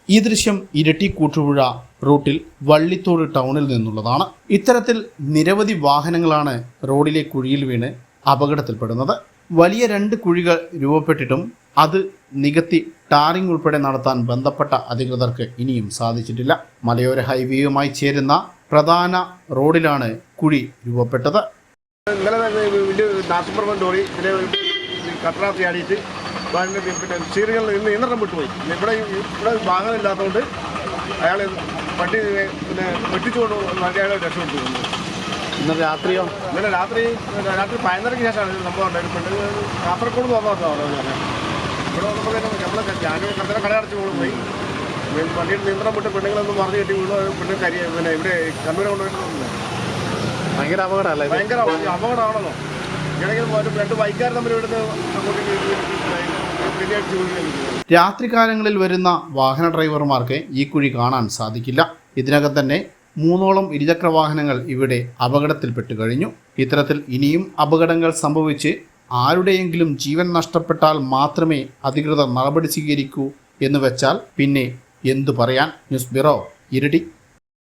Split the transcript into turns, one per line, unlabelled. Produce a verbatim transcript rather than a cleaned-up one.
ഈ ദൃശ്യം ഇരട്ടി കൂട്ടുപുഴ റൂട്ടിൽ വള്ളിത്തോട് ടൗണിൽ നിന്നുള്ളതാണ്. ഇത്തരത്തിൽ നിരവധി വാഹനങ്ങളാണ് റോഡിലെ കുഴിയിൽ വീണ് അപകടത്തിൽപ്പെടുന്നത്. വലിയ രണ്ട് കുഴികൾ രൂപപ്പെട്ടിട്ടും അത് നികത്തി ടാറിംഗ് ഉൾപ്പെടെ നടത്താൻ ബന്ധപ്പെട്ട അധികൃതർക്ക് ഇനിയും സാധിച്ചിട്ടില്ല. മലയോര ഹൈവേയുമായി ചേരുന്ന പ്രധാന റോഡിലാണ് കുഴി രൂപപ്പെട്ടത്.
ഇന്നലെ വലിയ നാട്ടുപുറം ലോറി ഇതിനെ കട്ടറാത്തി ആടിയിട്ട് പിന്നെ ചീറുകളിൽ നിന്ന് നിയന്ത്രണം വിട്ടുപോയി. ഇവിടെ ഇവിടെ വാഹനം ഇല്ലാത്തതുകൊണ്ട് അയാൾ വണ്ടി പിന്നെ വെട്ടിച്ചുകൊണ്ട് അയാളെ രക്ഷപ്പെട്ടു.
ഇന്നലെ രാത്രിയോ
ഇന്നലെ രാത്രി രാത്രി പതിനൊന്നരയ്ക്ക് ശേഷമാണ് സംഭവം ഉണ്ടായത്. പെണ്ണ് കാസർഗോഡ് പോകാമെന്നാണ് പറഞ്ഞത്. ഇവിടെ വന്നപ്പോൾ നമ്മൾ ഞാനൊരു കട കടയടച്ച് പോയി വണ്ടിയുടെ നിയന്ത്രണം വിട്ട് പെണ്ണുങ്ങളൊന്നും മറിഞ്ഞ് കെട്ടി വീണു. പെണ്ണ് കരി പിന്നെ ഇവിടെ കണ്ണൂരെ കൊണ്ടുപോയിട്ടുണ്ട്.
ഭയങ്കര അപകടമല്ലേ?
ഭയങ്കര അപകടമാണല്ലോ. ഇടയ്ക്ക് രണ്ട് ബൈക്കാർ തമ്മിൽ ഇവിടുന്ന്
രാത്രികാലങ്ങളിൽ വരുന്ന വാഹന ഡ്രൈവർമാർക്ക് ഈ കുഴി കാണാൻ സാധിക്കില്ല. ഇതിനകം തന്നെ മൂന്നോളം ഇരുചക്ര വാഹനങ്ങൾ ഇവിടെ അപകടത്തിൽപ്പെട്ടു കഴിഞ്ഞു. ഇത്തരത്തിൽ ഇനിയും അപകടങ്ങൾ സംഭവിച്ച് ആരുടെയെങ്കിലും ജീവൻ നഷ്ടപ്പെട്ടാൽ മാത്രമേ അധികൃതർ നടപടി സ്വീകരിക്കൂ എന്ന് വെച്ചാൽ പിന്നെ എന്തു പറയാൻ. News bureau, Iritty.